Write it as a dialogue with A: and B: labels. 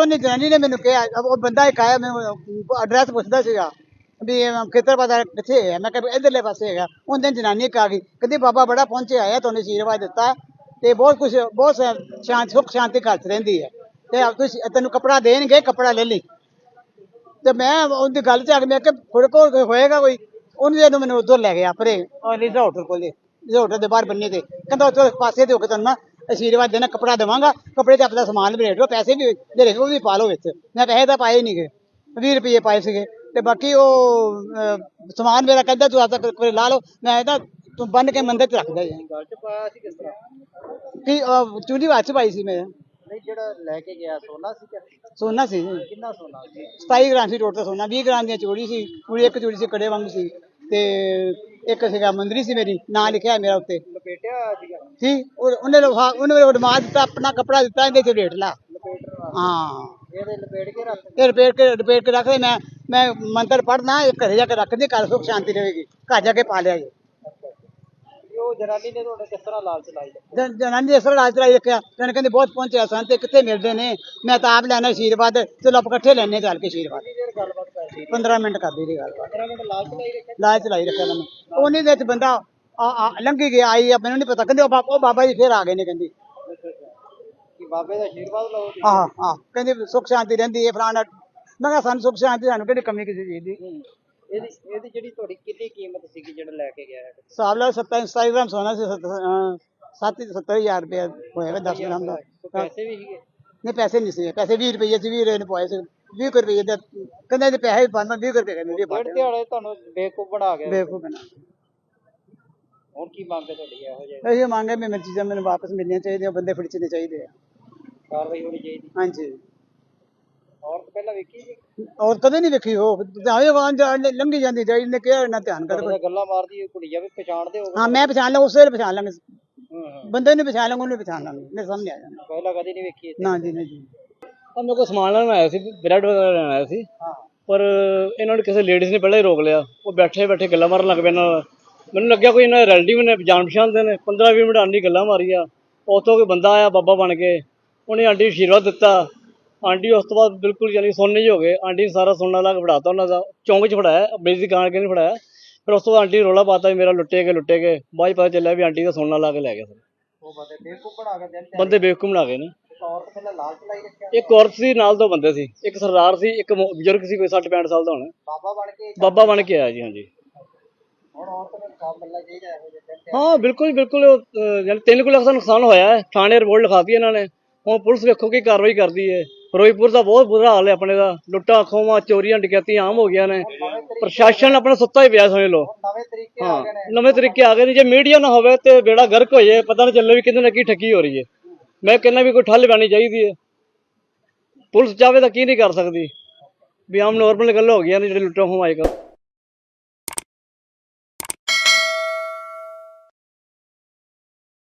A: ਉਹਨੇ ਜਨਾਨੀ ਨੇ ਮੈਨੂੰ ਕਿਹਾ, ਉਹ ਬੰਦਾ ਇੱਕ ਆਇਆ ਮੈਨੂੰ ਐਡਰੈਸ ਪੁੱਛਦਾ ਸੀਗਾ ਵੀ ਖੇਤਰ ਪਤਾ ਕਿੱਥੇ ਹੈ। ਮੈਂ ਕਿਹਾ ਇਧਰਲੇ ਪਾਸੇ ਹੈਗਾ। ਉਹਦੇ ਜਨਾਨੀ ਇੱਕ ਆ ਗਈ, ਕਹਿੰਦੀ ਬਾਬਾ ਬੜਾ ਪਹੁੰਚਿਆ ਆਇਆ, ਤੁਹਾਨੂੰ ਆਸ਼ੀਰਵਾਦ ਦਿੱਤਾ ਤੇ ਬਹੁਤ ਕੁਛ, ਬਹੁਤ ਸੁੱਖ ਸ਼ਾਂਤੀ ਘਰ 'ਚ ਰਹਿੰਦੀ ਹੈ ਤੇ ਤੁਸੀਂ ਤੈਨੂੰ ਕੱਪੜਾ ਦੇਣਗੇ, ਕੱਪੜਾ ਲੈ ਲਈ। ਤੇ ਮੈਂ ਉਹਦੀ ਗੱਲ 'ਚ ਆ ਕੇ ਮੈਂ ਕਿਹਾ ਤੁਹਾਡੇ ਕੋਲ ਹੋਏਗਾ ਕੋਈ? ਉਹਨੇ ਜਦੋਂ ਮੈਨੂੰ ਉੱਧਰ ਲੈ ਗਿਆ ਪਰੇ ਲੀਡਾ ਹੋਟਲ ਕੋਲੇ, ਹੋਟਲ ਦੇ ਬਾਹਰ ਬੰਨੇ ਤੇ, ਕਹਿੰਦਾ ਉੱਥੇ ਪਾਸੇ ਤੇ ਹੋ ਕੇ ਤੁਹਾਨੂੰ ਮੈਂ ਆਸ਼ੀਰਵਾਦ ਦੇਣਾ, ਕੱਪੜਾ ਦੇਵਾਂਗਾ, ਕੱਪੜੇ 'ਚ ਆਪਣਾ ਸਮਾਨ ਵੀ ਰੇਟ ਲਓ, ਪੈਸੇ ਵੀ ਜਿਹੜੇ ਉਹ ਵੀ ਪਾ ਲਓ ਵਿੱਚ। ਮੈਂ ਪੈਸੇ ਤਾਂ ਪਾਏ ਨਹੀਂ ਗਏ, 20 ਰੁਪਏ ਪਾਏ ਸੀਗੇ ਤੇ ਬਾਕੀ ਉਹ ਸਮਾਨ ਮੇਰਾ ਕਹਿੰਦਾ ਤੂੰ ਆਪਦਾ ਲਾ ਲਓ। ਮੈਂ ਇਹਦਾ ਤੂੰ ਬੰਨ ਕੇ ਮੰਦਰ 'ਚ ਰੱਖਦਾ ਜੀ।
B: ਗੱਲ ਚ ਪਾਇਆ ਸੀ ਕਿਸ ਤਰ੍ਹਾਂ?
A: ਕੀ ਚੂੜੀ ਹੱਥ 'ਚ ਪਾਈ ਸੀ ਮੈਂ।
B: ਨਹੀਂ, ਜਿਹੜਾ ਲੈ ਕੇ ਗਿਆ ਸੋਨਾ ਸੀ ਕਿ
A: ਸੋਨਾ ਸੀ ਜੀ,
B: ਕਿੰਨਾ ਸੋਨਾ ਸੀ?
A: 27 ਗ੍ਰਾਮ ਸੀ ਟੋਟਲ ਸੋਨਾ। 20 ਗ੍ਰਾਮ ਦੀ ਚੂੜੀ ਸੀ, ਚੂੜੀ ਇੱਕ ਚੂੜੀ ਸੀ ਕੜੇ ਵਾਂਗੂ ਸੀ ਤੇ ਇੱਕ ਸੀਗਾ ਮੁੰਦਰੀ ਸੀ, ਮੇਰੀ ਨਾਂ ਲਿਖਿਆ ਮੇਰਾ ਉੱਤੇ
B: ਲਪੇਟਿਆ ਹੋਇਆ ਸੀਗਾ?
A: ਸੀ। ਉਹਨੇ ਉਡਮਾ ਦਿੱਤਾ, ਆਪਣਾ ਕੱਪੜਾ ਦਿੱਤਾ, ਇਹਦੇ 'ਚ ਰੇਟ ਲਾ।
B: ਲਪੇਟਣਾ?
A: ਹਾਂ,
B: ਇਹਦੇ ਲਪੇਟ ਕੇ ਰੱਖ?
A: ਇਹ ਰਿਪੇਟ ਕੇ ਰੱਖ ਦੇ। ਮੈਂ ਮੰਤਰ ਪੜ੍ਹਨਾ, ਇਹ ਘਰੇ ਜਾ ਕੇ ਰੱਖਦੀ, ਘਰ ਸੁੱਖ ਸ਼ਾਂਤੀ ਰਹੇਗੀ। ਘਰ ਜਾ ਕੇ ਪਾ ਲਿਆ ਜੀ।
B: ਉਹ ਜਨਾਨੀ ਨੇ ਤੁਹਾਡੇ ਕਿਸ ਤਰ੍ਹਾਂ ਲਾਲਚ ਲਾਈ?
A: ਜਨਾਨੀ ਇਸ ਤਰ੍ਹਾਂ ਰਾਜ ਚਲਾਈ ਰੱਖਿਆ, ਕਹਿੰਦੇ ਬਹੁਤ ਪਹੁੰਚਿਆ ਸਨ ਤੇ ਕਿੱਥੇ ਮਿਲਦੇ ਨੇ, ਮੈਂ ਤਾਂ ਆਪ ਲੈਣਾ ਆਸ਼ੀਰਵਾਦ, ਚਲੋ ਆਪਾਂ ਇਕੱਠੇ ਲੈਣੇ ਚੱਲ ਕੇ ਆਸ਼ੀਰਵਾਦ।
B: ਕਿੰਨੀ ਦੇਰ ਗੱਲਬਾਤ ਕਰਦੀ?
A: 15 ਮਿੰਟ ਕਰਦੀ ਰਹੀ ਗੱਲਬਾਤ।
B: 15 ਮਿੰਟ ਲਾਲਚ ਲਾਈ ਰੱਖਿਆ?
A: ਲਾਜ ਚਲਾਈ ਰੱਖਿਆ ਮੈਨੂੰ। ਉਹਨੇ ਦੇ ਵਿੱਚ ਬੰਦਾ ਲੰਘੀ ਗਿਆ, ਆਈ ਆ, ਮੈਨੂੰ ਨਹੀਂ ਪਤਾ, ਕਹਿੰਦੇ ਉਹ ਬਾਬਾ ਜੀ ਫੇਰ ਆ ਗਏ ਨੇ, ਕਹਿੰਦੀ
B: ਕਿ ਬਾਬੇ ਦਾ ਆਸ਼ੀਰਵਾਦ ਲਓ?
A: ਆਹ ਕਹਿੰਦੇ ਸੁੱਖ ਸ਼ਾਂਤੀ ਰਹਿੰਦੀ ਹੈ ਫਲਾਣਾ। ਮੈਂ ਕਿਹਾ ਸਾਨੂੰ ਸੁੱਖ ਸ਼ਾਂਤੀ, ਸਾਨੂੰ ਕਿਹੜੀ ਕਮੀ ਕਿਸੇ ਚੀਜ਼ ਦੀ।
B: ਇਹਦੀ ਜਿਹੜੀ ਤੁਹਾਡੀ ਕਿੰਨੀ ਕੀਮਤ ਸੀਗੀ ਜਿਹੜਾ ਲੈ ਕੇ ਗਿਆ ਹੈ?
A: ਹਿਸਾਬ ਲਾ 27 ਗ੍ਰਾਮ ਸੋਨਾ ਸੀ, 70,000 ਰੁਪਇਆ ਹੋਏਗਾ 10 ਗ੍ਰਾਮ ਦਾ।
B: ਪੈਸੇ ਵੀ ਸੀਗੇ?
A: ਨਹੀਂ ਪੈਸੇ ਨਹੀਂ ਸੀ, ਪੈਸੇ 20 ਰੁਪਏ ਸੀ, 20 ਰੁਪਏ ਨੇ ਪਵਾਏ ਸੀ, 20 ਰੁਪਏ ਦੇ ਕਹਿੰਦੇ ਇਹਦੇ ਪੈਸੇ ਵੀ ਪਾਉਂਦਾ, 20 ਰੁਪਏ ਕਹਿੰਦੇ ਵੀ
B: ਡੇਢ ਦਿਹਾੜੇ ਤੁਹਾਨੂੰ ਬੇਵਕੂਫ ਬਣਾ ਗਿਆ।
A: ਬੇਵਕੂਫ ਬਣਾ।
B: ਹੁਣ ਕੀ ਮੰਗ ਹੈ ਤੁਹਾਡੀ ਇਹੋ ਜਿਹੀ?
A: ਇਹ ਮੰਗ ਹੈ ਵੀ ਮੇਰੀ ਚੀਜ਼ਾਂ ਮੈਨੂੰ ਵਾਪਸ ਮਿਲਣੀਆਂ ਚਾਹੀਦੀਆਂ, ਬੰਦੇ ਫੜਚਣੇ ਚਾਹੀਦੇ ਆ।
B: ਕਾਰਵਾਈ ਹੋਣੀ ਚਾਹੀਦੀ?
A: ਹਾਂਜੀ।
B: ਔਰਤ ਪਹਿਲਾਂ ਵੇਖੀ ਸੀ?
A: ਔਰ ਕਦੇ ਨਹੀਂ ਵੇਖੀ ਉਹ ਲੰਘੀ ਜਾਂਦੀ ਜਾਈ, ਇਹਨੇ ਕਿਹਾ ਨਾ ਧਿਆਨ ਕਰ।
B: ਗੱਲਾਂ ਮਾਰਦੀ ਕੁੜੀਆਂ ਵੀ ਪਛਾਣਦੇ ਹੋ?
A: ਹਾਂ, ਮੈਂ ਪਛਾਣ ਲਾਂ, ਉਸੇ ਵੇਲੇ ਪਛਾਣ ਲਾਂਗੇ, ਬੰਦੇ ਨੂੰ ਪਛਾਣ ਲਾਂਗੇ, ਉਹਨੂੰ ਪਛਾਣ ਲਾਂਗੇ, ਮੇਰੇ ਸਾਹਮਣੇ ਆ ਜਾਣਾ।
B: ਪਹਿਲਾਂ ਕਦੀ ਨਹੀਂ ਵੇਖੀ ਇੱਥੇ?
A: ਨਾ ਜੀ, ਨਾ ਜੀ।
C: ਮੇਰੇ ਕੋਲ ਸਮਾਨ ਲੈਣ ਆਇਆ ਸੀ, ਬ੍ਰੈਡ ਵਗੈਰਾ ਲੈਣ ਆਇਆ ਸੀ,
B: ਹਾਂ।
C: ਪਰ ਇਹਨਾਂ ਨੂੰ ਕਿਸੇ ਲੇਡੀਜ਼ ਨੇ ਪਹਿਲਾਂ ਹੀ ਰੋਕ ਲਿਆ। ਉਹ ਬੈਠੇ ਬੈਠੇ ਗੱਲਾਂ ਮਾਰਨ ਲੱਗ ਪਏ ਨਾਲ। ਮੈਨੂੰ ਲੱਗਿਆ ਕੋਈ ਇਹਨਾਂ ਦੇ ਰਿਲੇਟਿਵ ਨੇ, ਜਾਣ ਪਛਾਣ ਦੇ ਨੇ। 15-20 ਮਿੰਟ ਆਂਟੀ ਗੱਲਾਂ ਮਾਰੀਆਂ। ਉੱਥੋਂ ਕੋਈ ਬੰਦਾ ਆਇਆ ਬਾਬਾ ਬਣ ਕੇ, ਉਹਨੇ ਆਂਟੀ ਨੂੰ ਆਸ਼ੀਰਵਾਦ ਦਿੱਤਾ। ਆਂਟੀ ਉਸ ਤੋਂ ਬਾਅਦ ਬਿਲਕੁਲ ਯਾਨੀ ਸੋਨੇ ਜਿਹੇ ਹੋ ਗਏ। ਆਂਟੀ ਨੇ ਸਾਰਾ ਸੋਨਾ ਲਾ ਕੇ ਫੜਾਤਾ ਉਹਨਾਂ ਦਾ, ਚੌਂਕ 'ਚ ਫੜਾਇਆ, ਮੇਰੀ ਦੁਕਾਨ ਕੇ ਨਹੀਂ ਫੜਾਇਆ। ਫਿਰ ਉਸ ਤੋਂ ਬਾਅਦ ਆਂਟੀ ਰੌਲਾ ਪਾਤਾ ਵੀ ਮੇਰਾ ਲੁੱਟੇ ਗਏ। ਬਾਅਦ 'ਚ ਪਤਾ ਚੱਲਿਆ ਵੀ ਆਂਟੀ ਦਾ ਸੋਨਾ ਲਾ ਕੇ ਲੈ ਗਿਆ।
B: ਉਹ ਬੰਦੇ ਬੇਵਕੂਫ ਬਣਾ ਕੇ ਦਿਨ
C: ਬੰਦੇ ਬੇਵਕੂਫ ਬਣਾ ਗਏ ਨੇ।
B: ਔਰਤ ਪਹਿਲਾਂ ਲਾਲਚ ਲਾਈ ਰੱਖਿਆ?
C: ਇੱਕ ਔਰਤ ਸੀ, ਨਾਲ 2 ਬੰਦੇ ਸੀ, ਇੱਕ ਸਰਦਾਰ ਸੀ, ਇੱਕ ਬਜ਼ੁਰਗ ਸੀ, ਕੋਈ 60-65 ਸਾਲ ਦਾ ਹੋਣਾ। ਬਾਬਾ ਬਣ ਕੇ ਆਇਆ ਜੀ। ਹਾਂਜੀ।
B: ਹੁਣ ਔਰਤ ਨੂੰ ਇਨਸਾਫ ਮਿਲਣਾ ਚਾਹੀਦਾ ਇਹੋ ਜਿਹੇ ਦਿਨ ਤੇ?
C: ਹਾਂ, ਬਿਲਕੁਲ। ਯਾਨੀ 3 ਲੱਖ ਦਾ ਨੁਕਸਾਨ ਹੋਇਆ ਹੈ। ਥਾਣੇ ਰਿਪੋਰਟ ਲਿਖਾਤੀ ਇਹਨਾਂ ਨੇ। ਹੁਣ ਪੁਲਿਸ ਵੇਖੋ ਕੀ ਕਾਰਵਾਈ ਕਰਦੀ ਹੈ। ਫਿਰੋਜ਼ਪੁਰ ਦਾ ਬਹੁਤ ਬੁਰਾ ਹਾਲ ਹੈ ਆਪਣੇ ਦਾ। ਲੁੱਟਾਂ ਖੋਹਾਂ, ਚੋਰੀਆਂ, ਡਕੈਤੀਆਂ ਆਮ ਹੋ ਗਈਆਂ ਨੇ। ਪ੍ਰਸ਼ਾਸਨ ਆਪਣਾ ਸੁੱਤਾ ਹੀ ਪਿਆ, ਸਮਝ ਲਓ।
B: ਨਵੇਂ ਤਰੀਕੇ ਆ ਗਏ ਨੇ?
C: ਨਵੇਂ ਤਰੀਕੇ ਆ ਗਏ ਨੇ। ਜੇ ਮੀਡੀਆ ਨਾ ਹੋਵੇ ਤੇ ਬੇੜਾ ਗਰਕ ਹੋ ਜਾਏ, ਪਤਾ ਨਾ ਚੱਲੇ ਵੀ ਕਿਤੇ ਨਾ ਕੀ ਠੱਗੀ ਹੋ ਰਹੀ ਹੈ। ਮੈਂ ਕਹਿੰਦਾ ਵੀ ਕੋਈ ਠੱਲ ਪੈਣੀ ਚਾਹੀਦੀ ਹੈ। ਪੁਲਿਸ ਚਾਹਵੇ ਤਾਂ ਕੀ ਨਹੀਂ ਕਰ ਸਕਦੀ। ਵੀ ਆਮ ਨੋਰਮਲ ਗੱਲ ਹੋ ਗਈਆਂ ਨੇ ਜਿਹੜੇ ਲੁੱਟਾਂ ਖੋਹਾਂ ਅੱਜ ਕੱਲ੍ਹ।